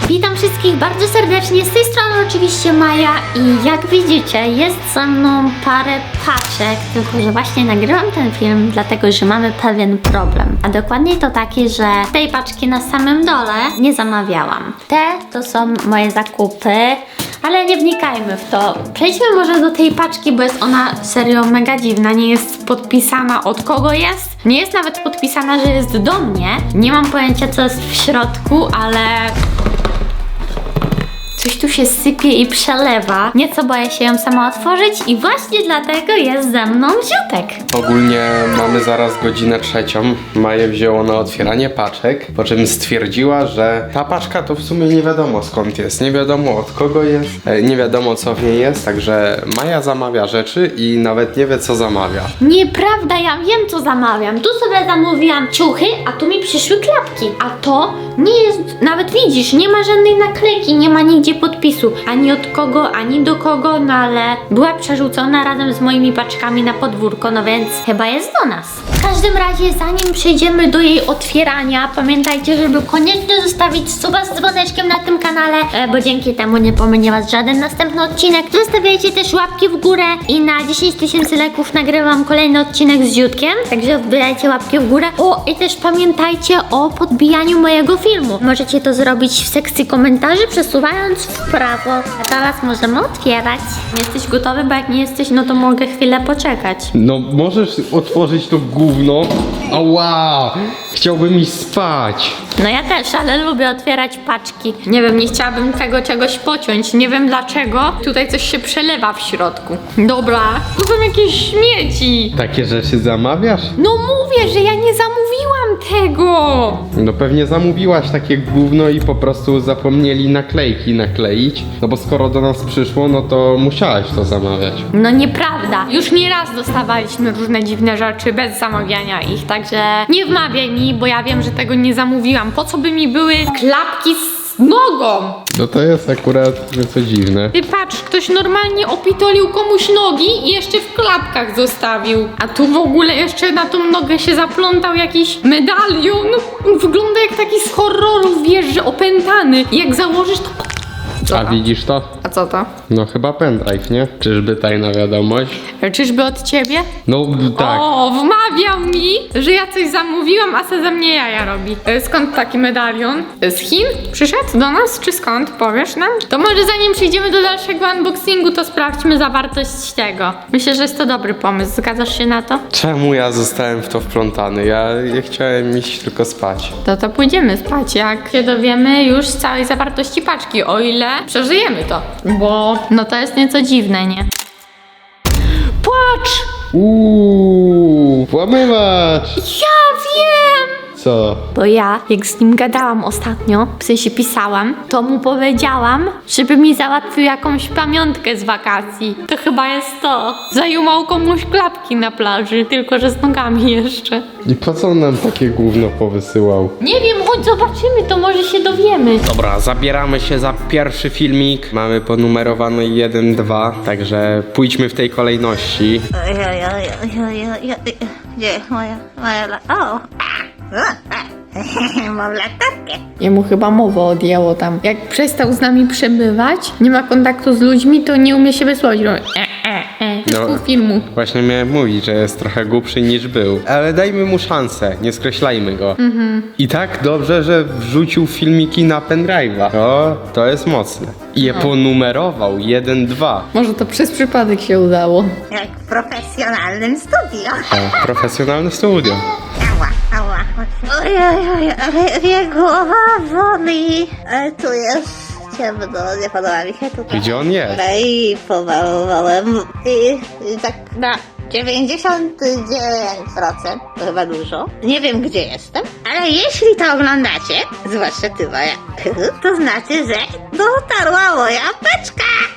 Witam wszystkich bardzo serdecznie, z tej strony oczywiście Maja i jak widzicie jest ze mną parę paczek, tylko że właśnie nagrywam ten film dlatego, że mamy pewien problem. A dokładnie to taki, że tej paczki na samym dole nie zamawiałam. Te to są moje zakupy, ale nie wnikajmy w to. Przejdźmy może do tej paczki, bo jest ona serio mega dziwna. Nie jest podpisana od kogo jest. Nie jest nawet podpisana, że jest do mnie. Nie mam pojęcia, co jest w środku, ale coś tu się sypie i przelewa. Nieco boję się ją sama otworzyć i właśnie dlatego jest ze mną Ziutek. Ogólnie mamy zaraz godzinę 3. Maję wzięło na otwieranie paczek, po czym stwierdziła, że ta paczka to w sumie nie wiadomo skąd jest, nie wiadomo od kogo jest, nie wiadomo co w niej jest, także Maja zamawia rzeczy i nawet nie wie co zamawia. Nieprawda, ja wiem co zamawiam. Tu sobie zamówiłam ciuchy, a tu mi przyszły klapki. A to nie jest, nawet widzisz, nie ma żadnej naklejki, nie ma nigdzie podpisu. Ani od kogo, ani do kogo, no ale była przerzucona razem z moimi paczkami na podwórko, no więc chyba jest do nas. W każdym razie, zanim przejdziemy do jej otwierania, pamiętajcie, żeby koniecznie zostawić suba z dzwoneczkiem na tym kanale, bo dzięki temu nie pominie was żaden następny odcinek. Zostawiajcie też łapki w górę i na 10 000 lajków nagrywam kolejny odcinek z Ziutkiem, także wbijajcie łapki w górę. O, i też pamiętajcie o podbijaniu mojego filmu. Możecie to zrobić w sekcji komentarzy, przesuwając w prawo. A teraz możemy otwierać. Jesteś gotowy? Bo jak nie jesteś, no to mogę chwilę poczekać. No możesz otworzyć to gówno? Ała! Chciałbym iść spać. No ja też, ale lubię otwierać paczki. Nie wiem, nie chciałabym tego czegoś pociąć. Nie wiem dlaczego. Tutaj coś się przelewa w środku. Dobra, tu są jakieś śmieci. Takie rzeczy zamawiasz? No mówię, że ja nie zamówiłam tego. No pewnie zamówiłaś takie gówno i po prostu zapomnieli naklejki nakleić. No bo skoro do nas przyszło, no to musiałaś to zamawiać. No nieprawda. Już nieraz dostawaliśmy różne dziwne rzeczy bez zamawiania ich, także nie wmawiaj mi, bo ja wiem, że tego nie zamówiłam. Po co by mi były klapki z nogą? No to jest akurat nieco dziwne. Ty patrz, ktoś normalnie opitolił komuś nogi i jeszcze w klapkach zostawił. A tu w ogóle jeszcze na tą nogę się zaplątał jakiś medalion. Wygląda jak taki z horrorów, wiesz, że opętany. I jak założysz to... A widzisz to? A co to? No chyba pendrive, nie? Czyżby tajna wiadomość? Czyżby od ciebie? No tak. O, wmawiał mi, że ja coś zamówiłam, a se ze mnie jaja robi. Skąd taki medalion? Z Chin? Przyszedł do nas, czy skąd? Powiesz nam? To może zanim przejdziemy do dalszego unboxingu, to sprawdźmy zawartość tego. Myślę, że jest to dobry pomysł. Zgadzasz się na to? Czemu ja zostałem w to wplątany? Ja chciałem iść tylko spać. To pójdziemy spać, jak się dowiemy już z całej zawartości paczki, o ile przeżyjemy to. Bo no to jest nieco dziwne, nie? Płacz! Włamywacz! Ja wiem! Co? Bo ja, jak z nim gadałam ostatnio, w sensie pisałam, to mu powiedziałam, żeby mi załatwił jakąś pamiątkę z wakacji. To chyba jest to. Zajumał komuś klapki na plaży, tylko że z nogami jeszcze. I po co on nam takie gówno powysyłał? Nie wiem, chodź zobaczymy, to może się dowiemy. Dobra, zabieramy się za pierwszy filmik. Mamy ponumerowany 1-2, także pójdźmy w tej kolejności. Gdzie moja o! Mam latarkę. Jemu chyba mowę odjęło tam. Jak przestał z nami przebywać, nie ma kontaktu z ludźmi, to nie umie się wysłowić. No. Pół filmu. Właśnie miałem mówić, że jest trochę głupszy niż był. Ale dajmy mu szansę, nie skreślajmy go. I tak dobrze, że wrzucił filmiki na pendrive'a. To jest mocne. I je ponumerował 1-2. Może to przez przypadek się udało. Jak w profesjonalnym studio. O, profesjonalne studio. Ała. Ojej, ale głowa boli. Tu jest ciemno, nie podoba mi się tutaj. Gdzie on jest? I pomalowałem. I tak na 99%, to chyba dużo. Nie wiem, gdzie jestem, ale jeśli to oglądacie, zwłaszcza ty, Maja, to znaczy, że dotarła moja paczka.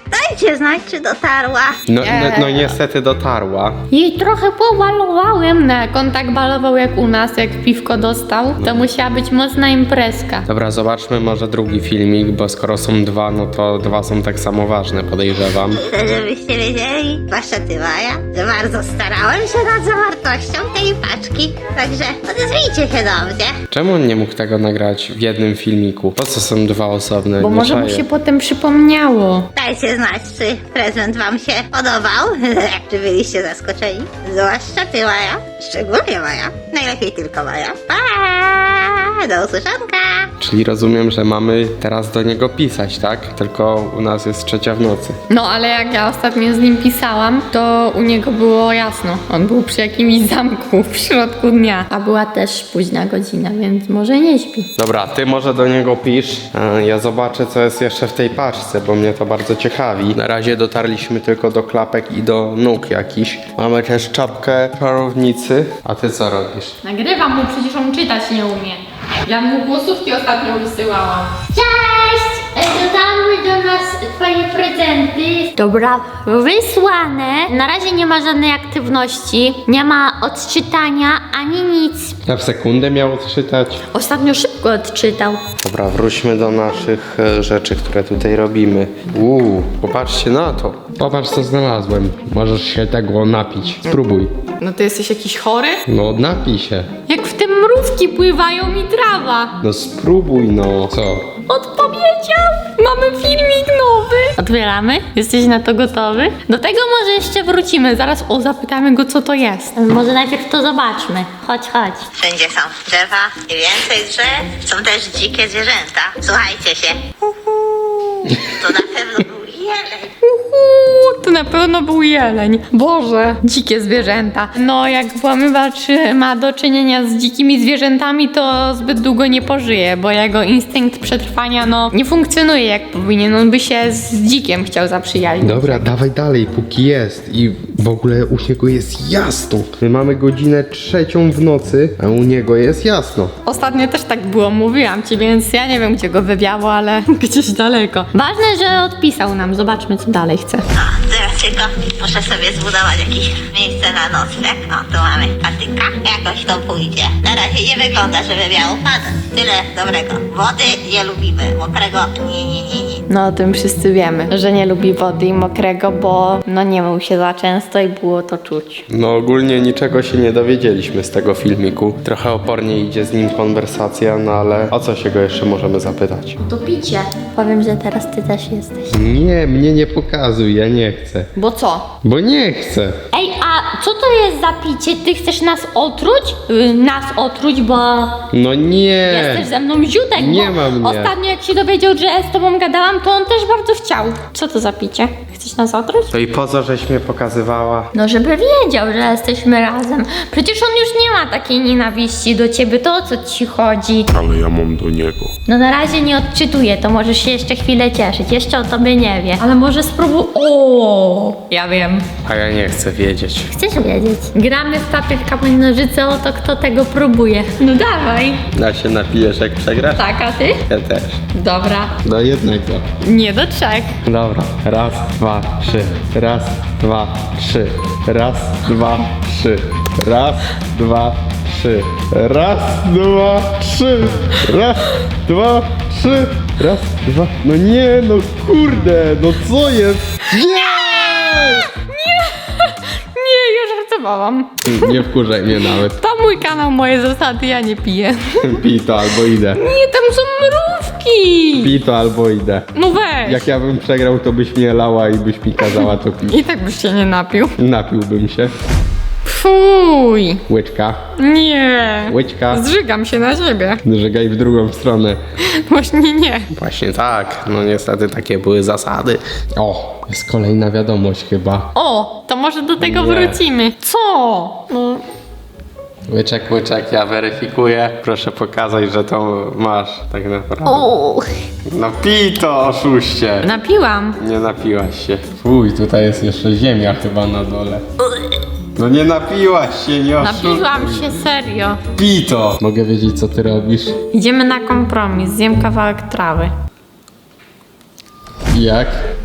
Dajcie znać, czy dotarła. No niestety dotarła. Jej trochę pobalowałem, no jak on tak balował jak u nas, jak piwko dostał, to musiała być mocna imprezka. Dobra, zobaczmy może drugi filmik, bo skoro są dwa, no to dwa są tak samo ważne, podejrzewam. Chcę, żebyście wiedzieli, zwłaszcza ty, Maja, że bardzo starałem się nad zawartością tej paczki. Także odezwijcie się do mnie. Czemu on nie mógł tego nagrać w jednym filmiku? Po co są dwa osobne? Bo Nie może mu czaję. się potem przypomniało. Dajcie znać, czy prezent wam się podobał. Czy byliście zaskoczeni? Zwłaszcza ty, Maja. Szczególnie Maja. Najlepiej tylko Maja. Pa! Do usłyszonka! Czyli rozumiem, że mamy teraz do niego pisać, tak? Tylko u nas jest 3:00 w nocy. No ale jak ja ostatnio z nim pisałam, to u niego było jasno. On był przy jakimś zamku w środku dnia. A była też późna godzina, więc może nie śpi. Dobra, ty może do niego pisz. Ja zobaczę, co jest jeszcze w tej paczce, bo mnie to bardzo ciekawi. Na razie dotarliśmy tylko do klapek i do nóg jakichś. Mamy też czapkę czarownicy. A ty co robisz? Nagrywam mu, przecież on czytać nie umie. Ja mu głosówki ostatnio wysyłałam. Cześć! Dotarły do nas twoje prezenty. Dobra, wysłane. Na razie nie ma żadnej aktywności. Nie ma odczytania ani nic. Ja w sekundę miał odczytać. Ostatnio szybko odczytał. Dobra, wróćmy do naszych rzeczy, które tutaj robimy. Popatrzcie na to. Popatrz, co znalazłem. Możesz się tego napić. Spróbuj. No ty jesteś jakiś chory? No, napij się. Jak w tym mrówki pływają i trawa. No spróbuj, no. Co? Odpowiedział! Mamy filmik nowy! Otwieramy? Jesteś na to gotowy? Do tego może jeszcze wrócimy. Zaraz zapytamy go, co to jest. Może najpierw to zobaczmy. Chodź. Wszędzie są drzewa i więcej drzew. Są też dzikie zwierzęta. Słuchajcie się. To na pewno był jeleń. To na pewno był jeleń. Boże, dzikie zwierzęta. No, jak włamywacz ma do czynienia z dzikimi zwierzętami, to zbyt długo nie pożyje, bo jego instynkt przetrwania, nie funkcjonuje jak powinien. On by się z dzikiem chciał zaprzyjaźnić. Dobra, dawaj dalej, póki jest. I w ogóle u niego jest jasno. My mamy godzinę 3:00 w nocy, a u niego jest jasno. Ostatnio też tak było, mówiłam ci, więc ja nie wiem, gdzie go wywiało, ale gdzieś daleko. Ważne, że odpisał nam. Zobaczmy, co dalej chce. Teraz tylko muszę sobie zbudować jakieś miejsce na nocleg. Tu mamy patyka. Jakoś to pójdzie. Na razie nie wygląda, żeby miało padać. Tyle dobrego. Wody nie lubimy. Mokrego nie. No o tym wszyscy wiemy, że nie lubi wody i mokrego, bo nie mył się za często i było to czuć. No ogólnie niczego się nie dowiedzieliśmy z tego filmiku. Trochę opornie idzie z nim konwersacja, no ale o co się go jeszcze możemy zapytać? To picie. Powiem, że teraz ty też jesteś. Nie, mnie nie pokazuj, ja nie chcę. Bo co? Bo nie chcę. Ej, a co to jest za picie? Ty chcesz nas otruć? Nas otruć, bo No nie. jesteś ze mną ziutek. Nie bo ma mnie. Ostatnio jak się dowiedział, że z tobą gadałam, to on też bardzo chciał. Co to za picie? Chcesz nas otruć? To i po co żeś mnie pokazywała? No, żeby wiedział, że jesteśmy razem. Przecież on już nie ma takiej nienawiści do ciebie, to o co ci chodzi? Ale ja mam do niego. No na razie nie odczytuję, to możesz się jeszcze chwilę cieszyć. Jeszcze o tobie nie wie. Ale może spróbuj... O, ja wiem. A ja nie chcę wiedzieć. Chcesz wiedzieć? Gramy w papier, kamień, nożyce o to, kto tego próbuje. No dawaj. A się napijesz jak przegrasz? Tak, a ty? Ja też. Dobra. Do jednego. Nie do 3. Dobra. Raz, dwa, trzy. Raz, dwa, trzy. Raz, dwa, trzy. Raz, dwa, trzy. Raz, dwa, trzy. Raz, dwa, trzy. Raz, dwa. No nie, no kurde, no co jest? Nie! Nie, już żartowałam. Nie wkurzaj mnie nawet. To mój kanał, moje zasady, ja nie piję. Pij to albo idę. Nie, tam są mrówki. Pij to albo idę. No weź. Jak ja bym przegrał, to byś mnie lała i byś mi kazała to pić. I tak byś się nie napił. Napiłbym się. Fuj. Łyczka. Nie. Łyczka. Zżygam się na siebie. Żegaj w drugą stronę. Właśnie nie. Właśnie tak. No niestety takie były zasady. O, jest kolejna wiadomość chyba. O, to może do tego Nie. wrócimy. Co? No, Łyczek, ja weryfikuję. Proszę pokazać, że to masz tak naprawdę. o, No pij to, oszuście. napiłam. Nie napiłaś się. Fuj, tutaj jest jeszcze ziemia chyba na dole. No nie napiłaś się, nie oszukuj. Napiłam się serio. Pij to. Mogę wiedzieć, co ty robisz? Idziemy na kompromis. Zjem kawałek trawy. Jak?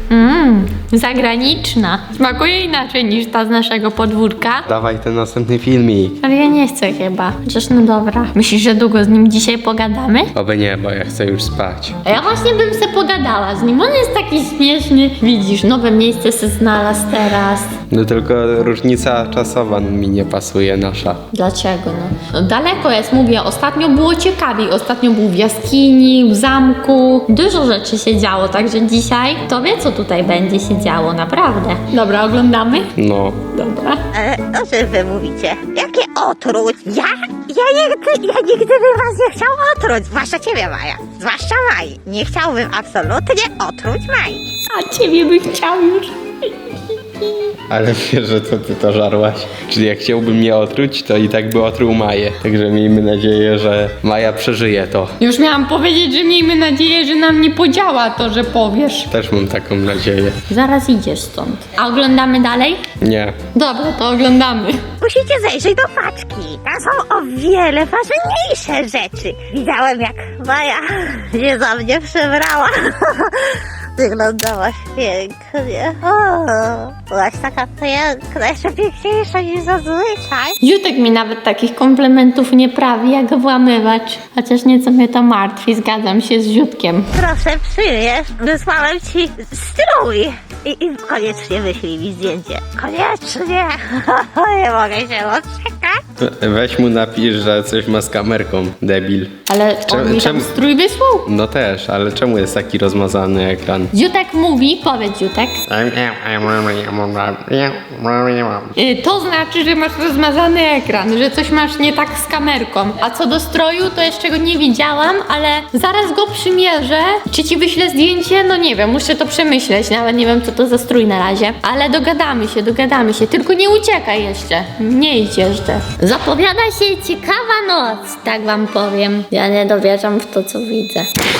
Zagraniczna. Smakuje inaczej niż ta z naszego podwórka. Dawaj ten następny filmik. Ale ja nie chcę chyba. Chociaż no dobra. Myślisz, że długo z nim dzisiaj pogadamy? Oby nie, bo ja chcę już spać. A ja właśnie bym se pogadała z nim. On jest taki śmieszny. Widzisz, nowe miejsce se znalazł teraz. No tylko różnica czasowa mi nie pasuje nasza. Dlaczego no? Daleko jest, mówię, ostatnio było ciekawiej. Ostatnio był w jaskini, w zamku. Dużo rzeczy się działo, także dzisiaj to wie, co tutaj będzie się działo, naprawdę. Dobra, oglądamy? No. Dobra. O czym wy mówicie? Jakie otruć? Ja nigdy bym was nie chciał otruć. Zwłaszcza ciebie, Maja. Zwłaszcza Maj. Nie chciałbym absolutnie otruć Maj. A ciebie bym chciał już. Ale wiesz, że co ty to żarłaś? Czyli jak chciałby mnie otruć, to i tak by otruł Maję. Także miejmy nadzieję, że Maja przeżyje to. Już miałam powiedzieć, że miejmy nadzieję, że nam nie podziała to, że powiesz. Też mam taką nadzieję. Zaraz idziesz stąd. A oglądamy dalej? Nie. Dobra, to oglądamy. Musicie zajrzeć do paczki. Tam są o wiele ważniejsze rzeczy. Widziałem, jak Maja się za mnie przebrała. Wyglądałaś pięknie. O, byłaś taka piękna, jeszcze piękniejsza niż zazwyczaj. Jutek mi nawet takich komplementów nie prawi jak włamywacz. Chociaż nieco mnie to martwi, zgadzam się z Jutkiem. Proszę przyjmiesz, wysłałem ci strój. I koniecznie wyślij mi zdjęcie. Koniecznie. Nie mogę się doczekać. Weź mu napisz, że coś ma z kamerką, debil. Ale on mi tam strój wysłał? No też, ale czemu jest taki rozmazany ekran? Jutek mówi, powiedz Jutek. To znaczy, że masz rozmazany ekran, że coś masz nie tak z kamerką. A co do stroju, to jeszcze go nie widziałam, ale zaraz go przymierzę. Czy ci wyślę zdjęcie? No nie wiem, muszę to przemyśleć. Nawet nie wiem, co to za strój na razie. Ale dogadamy się. Tylko nie uciekaj jeszcze. Nie idź jeszcze. Zapowiada się ciekawa noc, tak wam powiem. Ja nie dowierzam w to, co widzę.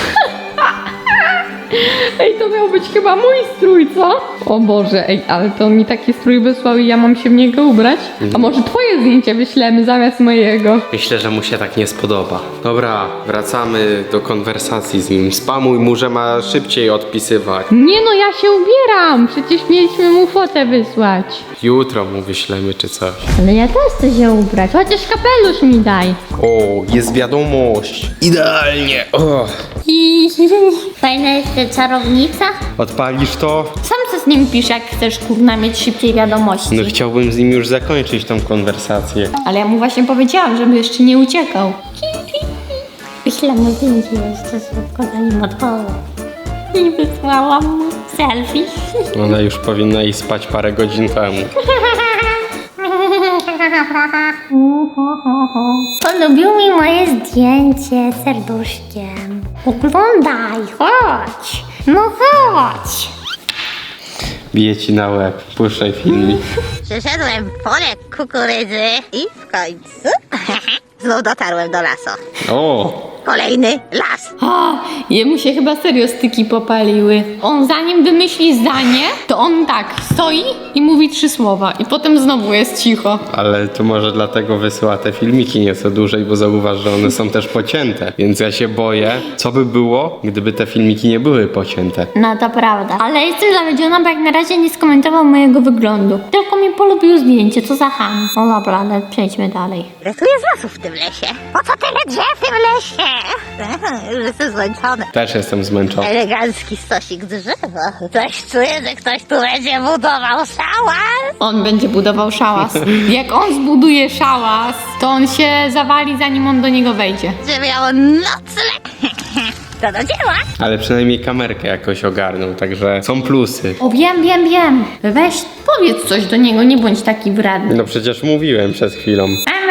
Ej, to miał być chyba mój strój, co? O Boże, ej, ale to mi taki strój wysłał i ja mam się w niego ubrać? A może twoje zdjęcie wyślemy zamiast mojego? Myślę, że mu się tak nie spodoba. Dobra, wracamy do konwersacji z nim. Spamuj mu, że ma szybciej odpisywać. Nie no, ja się ubieram! Przecież mieliśmy mu fotę wysłać. Jutro mu wyślemy czy coś. Ale ja też chcę się ubrać, chociaż kapelusz mi daj. O, jest wiadomość. Idealnie. O, Fajna jest ta czarownica. odpalisz to? Sam co z nim pisz, jak chcesz kurna mieć szybciej wiadomości. No chciałbym z nim już zakończyć tą konwersację. Ale ja mu właśnie powiedziałam, żeby jeszcze nie uciekał. Wyślę mu zdjęcie jeszcze szybko, zanim odchodzę. I wysłałam mu selfie. Ona już powinna iść spać parę godzin temu. Polubił mi moje zdjęcie serduszkiem. Oglądaj, chodź. No chodź. Bije ci na łeb. Puszczaj filmik. Przyszedłem w pole kukurydzy i w końcu znów dotarłem do lasu. O, Kolejny las. A, jemu się chyba serio styki popaliły. On zanim wymyśli zdanie, to on tak stoi i mówi 3 słowa. I potem znowu jest cicho. ale to może dlatego wysyła te filmiki nieco dłużej, bo zauważ, że one są też pocięte. Więc ja się boję, co by było, gdyby te filmiki nie były pocięte. No to prawda. Ale jestem zawiedziona, bo jak na razie nie skomentował mojego wyglądu. Tylko mi polubił zdjęcie, co za ham. No dobra, ale przejdźmy dalej. Ile tu jest lasów w tym lesie? Po co tyle drzew w tym lesie? Już jestem zmęczony. Też jestem zmęczony. Elegancki stosik drzewa. Coś czuję, że ktoś tu będzie budował szałas. On będzie budował szałas. Jak on zbuduje szałas, to on się zawali, zanim on do niego wejdzie. Żeby miało nocleg. To do dzieła. Ale przynajmniej kamerkę jakoś ogarnął, także są plusy. O, wiem. Weź, powiedz coś do niego, nie bądź taki wredny. No przecież mówiłem przed chwilą.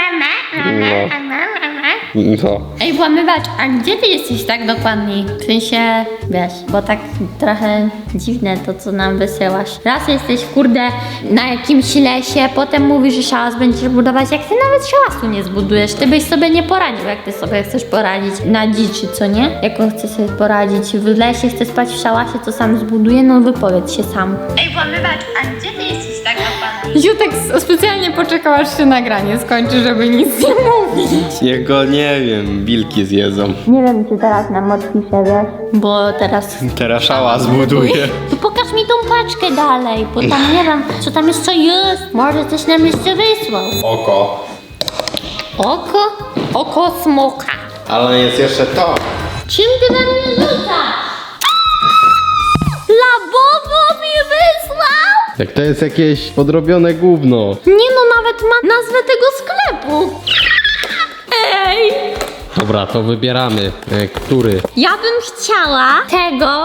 No. Ej, włamywacz, a gdzie ty jesteś tak dokładniej? W sensie, wiesz, bo tak trochę dziwne to, co nam wysyłasz. Raz jesteś, kurde, na jakimś lesie, potem mówisz, że szałas będziesz budować, jak ty nawet szałasu nie zbudujesz. Ty byś sobie nie poradził, jak ty sobie chcesz poradzić na dziczy, co nie? Jak on chce sobie poradzić w lesie, chce spać w szałasie, to sam zbuduje, no wypowiedz się sam. Ej, włamywacz, a gdzie ty jesteś tak dokładnie? Jutek specjalnie poczekał, aż się nagranie skończy, żeby nic nie mówić. Niech go, nie wiem, wilki zjedzą. Nie wiem, czy teraz nam odpisze, wiesz? Bo teraz... Teraz szała zbuduje. To pokaż mi tą paczkę dalej, bo tam nie wiem, co tam jeszcze jest. Może coś nam jeszcze wysłał. Oko. Oko? Oko smoka. Ale jest jeszcze to. Czym ty we mnie rzucasz? Labowo mi wysłał? Jak to jest jakieś podrobione gówno. Nie no, nawet ma nazwę tego sklepu. Ej! Dobra, to wybieramy. Który? Ja bym chciała tego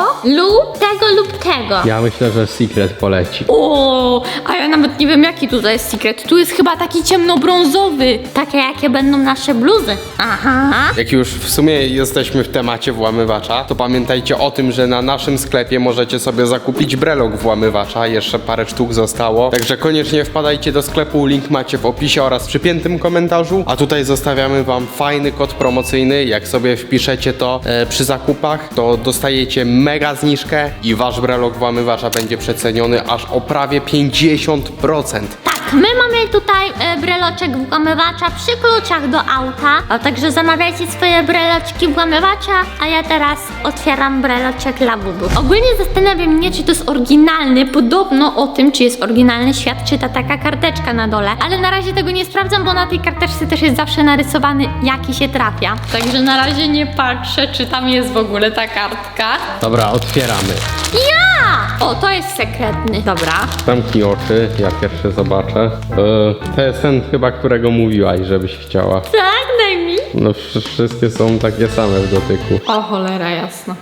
lub tego. Ja myślę, że Secret poleci. O, a ja nawet nie wiem jaki tutaj jest secret. Tu jest chyba taki ciemnobrązowy. Takie jakie będą nasze bluzy. Aha. Jak już w sumie jesteśmy w temacie włamywacza, to pamiętajcie o tym, że na naszym sklepie możecie sobie zakupić brelok włamywacza. Jeszcze parę sztuk zostało. Także koniecznie wpadajcie do sklepu. Link macie w opisie oraz przypiętym komentarzu. A tutaj zostawiamy wam fajny kod promocyjny. Jak sobie wpiszecie to przy zakupach, to dostajecie mega zniżkę i wasz brelok włamywacza będzie przeceniony aż o prawie 50%. Tak, my mamy tutaj breloczek włamywacza przy kluczach do auta. A także zamawiajcie swoje breloczki włamywacza, a ja teraz otwieram breloczek Labubu. Ogólnie zastanawiam mnie, czy to jest oryginalny. Podobno o tym, czy jest oryginalny, świadczy ta taka karteczka na dole. Ale na razie tego nie sprawdzam, bo na tej karteczce też jest zawsze narysowany, jaki się trafia. Także na razie nie patrzę, czy tam jest w ogóle ta kartka. Dobra, otwieramy. Ja! O, to jest sekretny. Dobra. Zamknij oczy, ja pierwszy zobaczę. To jest ten chyba, którego mówiłaś, żebyś chciała. Tak, daj mi. No wszystkie są takie same w dotyku. O cholera jasna.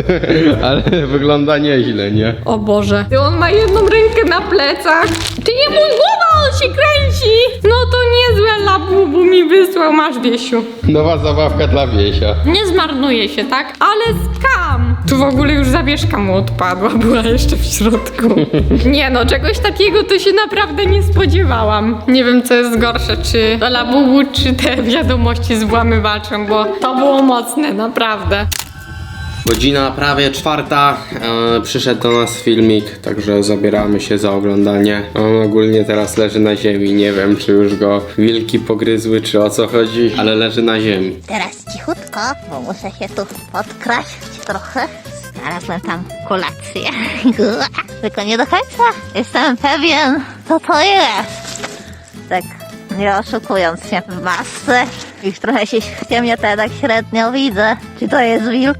Ale wygląda nieźle, nie? O Boże. Ty, on ma jedną rękę na plecach. Ty, nie mój głowa, on się kręci. No to niezłe Labubu mi wysłał, masz Wiesiu. Nowa zabawka dla Wiesia. Nie zmarnuje się, tak? Ale skam! Tu w ogóle już zawieszka mu odpadła, była jeszcze w środku. Nie no, czegoś takiego to się naprawdę nie spodziewałam. Nie wiem, co jest gorsze, czy to Labubu, czy te wiadomości z włamywaczem, bo to było mocne, naprawdę. Godzina prawie 4. Przyszedł do nas filmik, także zabieramy się za oglądanie. On ogólnie teraz leży na ziemi. Nie wiem, czy już go wilki pogryzły, czy o co chodzi, ale leży na ziemi. Teraz cichutko, bo muszę się tu podkraść trochę. Znalazłem tam kolację. Tylko nie do końca jestem pewien, co to jest. Tak, nie oszukując się w masce. Już trochę się w ciemnie to ja tak średnio widzę. Czy to jest wilk?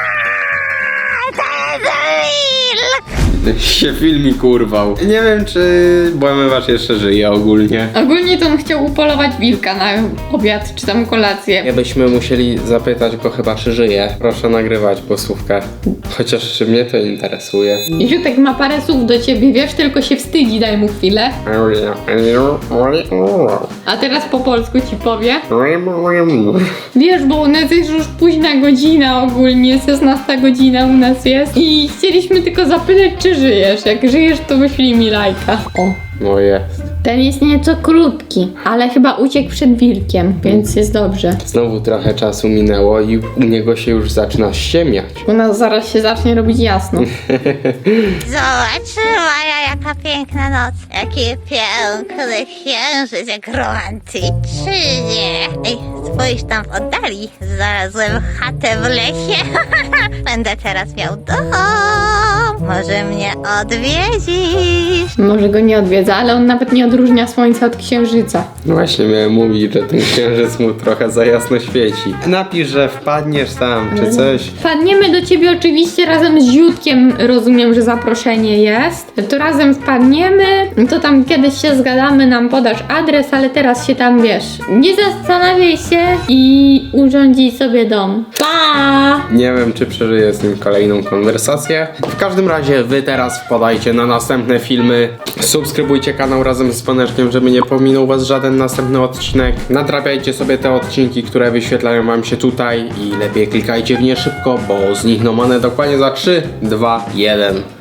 To jest wilk! Się filmik urwał. Nie wiem, czy włamywacz jeszcze żyje ogólnie. Ogólnie to on chciał upolować wilka na obiad, czy tam kolację. Nie byśmy musieli zapytać go chyba, czy żyje. Proszę nagrywać głosówkę. Chociaż czy mnie to interesuje. Ziutek ma parę słów do ciebie, wiesz, tylko się wstydzi, daj mu chwilę. A teraz po polsku ci powie. Wiesz, bo u nas jest już późna godzina ogólnie, 16 godzina u nas jest. I chcieliśmy tylko zapytać, czy żyjesz. Jak żyjesz, to wyślij mi lajka. O. No jest. Ten jest nieco krótki, ale chyba uciekł przed wilkiem, więc jest dobrze. Znowu trochę czasu minęło i u niego się już zaczyna ściemniać. U nas zaraz się zacznie robić jasno. Zobacz, Maja, jaka piękna noc. Jaki piękny księżyc, jak romantycznie. Ej, spójrz tam w oddali. Znalazłem chatę w lesie. Będę teraz miał dom. Może mnie odwiedzisz? Może go nie odwiedza, ale on nawet nie odróżnia słońca od księżyca. No właśnie miałem mówić, że ten księżyc mu trochę za jasno świeci. Napisz, że wpadniesz tam, czy coś. Wpadniemy do ciebie oczywiście razem z Ziutkiem, rozumiem, że zaproszenie jest. To razem wpadniemy, to tam kiedyś się zgadamy, nam podasz adres, ale teraz się tam, wiesz, nie zastanawiaj się i urządzij sobie dom. Pa! Nie wiem, czy przeżyję z nim kolejną konwersację. W każdym razie wy teraz wpadajcie na następne filmy. Subskrybujcie kanał razem z dzwoneczkiem, żeby nie pominął was żaden następny odcinek. Nadrabiajcie sobie te odcinki, które wyświetlają wam się tutaj i lepiej klikajcie w nie szybko, bo znikną one dokładnie za 3, 2, 1.